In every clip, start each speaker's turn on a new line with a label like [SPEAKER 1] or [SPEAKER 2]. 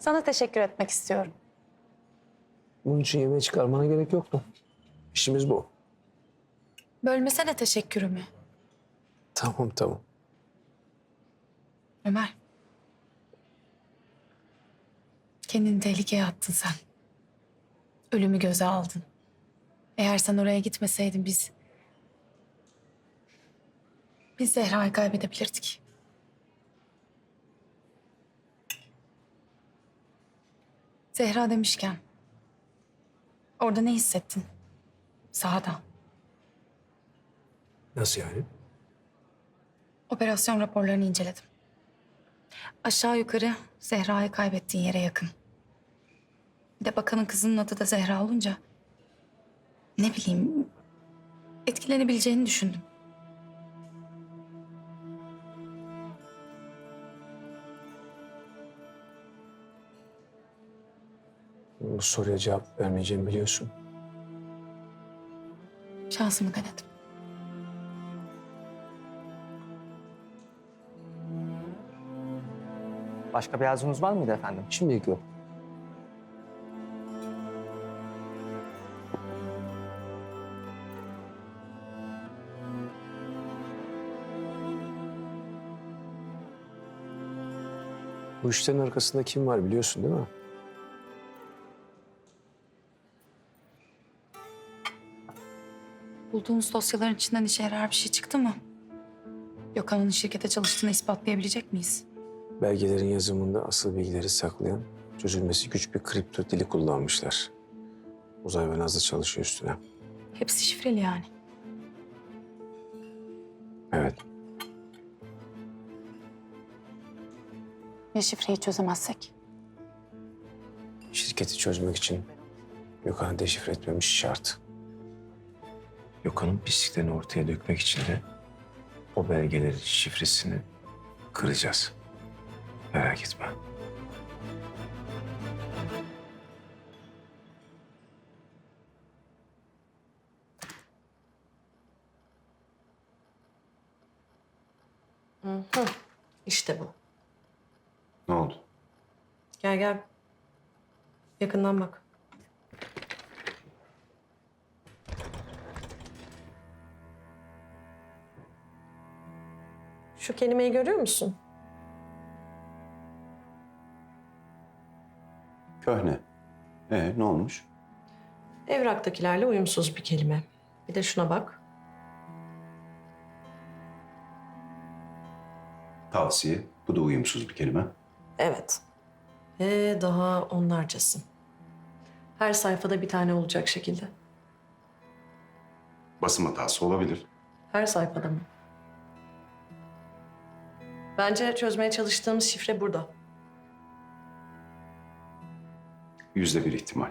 [SPEAKER 1] Sana teşekkür etmek istiyorum.
[SPEAKER 2] Bunun için yemeğe çıkarmana gerek yoktu. İşimiz bu.
[SPEAKER 1] Bölmesene teşekkürümü.
[SPEAKER 2] Tamam.
[SPEAKER 1] Ömer. Kendini tehlikeye attın sen. Ölümü göze aldın. Eğer sen oraya gitmeseydin biz Zehra'yı kaybedebilirdik. Zehra demişken orada ne hissettin? Sahada.
[SPEAKER 2] Nasıl yani?
[SPEAKER 1] Operasyon raporlarını inceledim. Aşağı yukarı Zehra'yı kaybettiğin yere yakın. Bir de bakanın kızının adı da Zehra olunca ne bileyim etkilenebileceğini düşündüm.
[SPEAKER 2] Bu soruya cevap vermeyeceğimi biliyorsun.
[SPEAKER 1] Şansımı denedim.
[SPEAKER 3] Başka bir arzunuz var mıydı efendim?
[SPEAKER 2] Şimdilik yok. Bu işlerin arkasında kim var biliyorsun değil mi?
[SPEAKER 1] Bulduğunuz dosyaların içinden işe yarar bir şey çıktı mı? Gökhan'ın şirkete çalıştığını ispatlayabilecek miyiz?
[SPEAKER 2] Belgelerin yazımında asıl bilgileri saklayan, çözülmesi güç bir kripto dili kullanmışlar. Uzay ve Nazlı çalışıyor üstüne.
[SPEAKER 1] Hepsi şifreli yani.
[SPEAKER 2] Evet.
[SPEAKER 1] Ya şifreyi çözemezsek?
[SPEAKER 2] Şirketi çözmek için Gökhan'ı deşifre etmemiz şart. Gökhan'ın pisliklerini ortaya dökmek için de o belgelerin şifresini kıracağız. Merak etme.
[SPEAKER 4] İşte bu.
[SPEAKER 5] Ne oldu?
[SPEAKER 4] Gel gel. Yakından bak. Şu kelimeyi görüyor musun?
[SPEAKER 5] Köhne. Ne olmuş?
[SPEAKER 4] Evraktakilerle uyumsuz bir kelime. Bir de şuna bak.
[SPEAKER 5] Tavsiye. Bu da uyumsuz bir kelime.
[SPEAKER 4] Evet. Daha onlarcası. Her sayfada bir tane olacak şekilde.
[SPEAKER 5] Basım hatası olabilir.
[SPEAKER 4] Her sayfada mı? Bence çözmeye çalıştığımız şifre burada.
[SPEAKER 5] %1 ihtimal.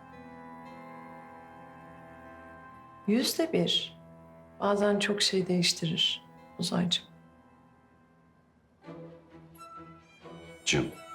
[SPEAKER 4] %1. Bazen çok şey değiştirir Uzaycığım.
[SPEAKER 5] Cım.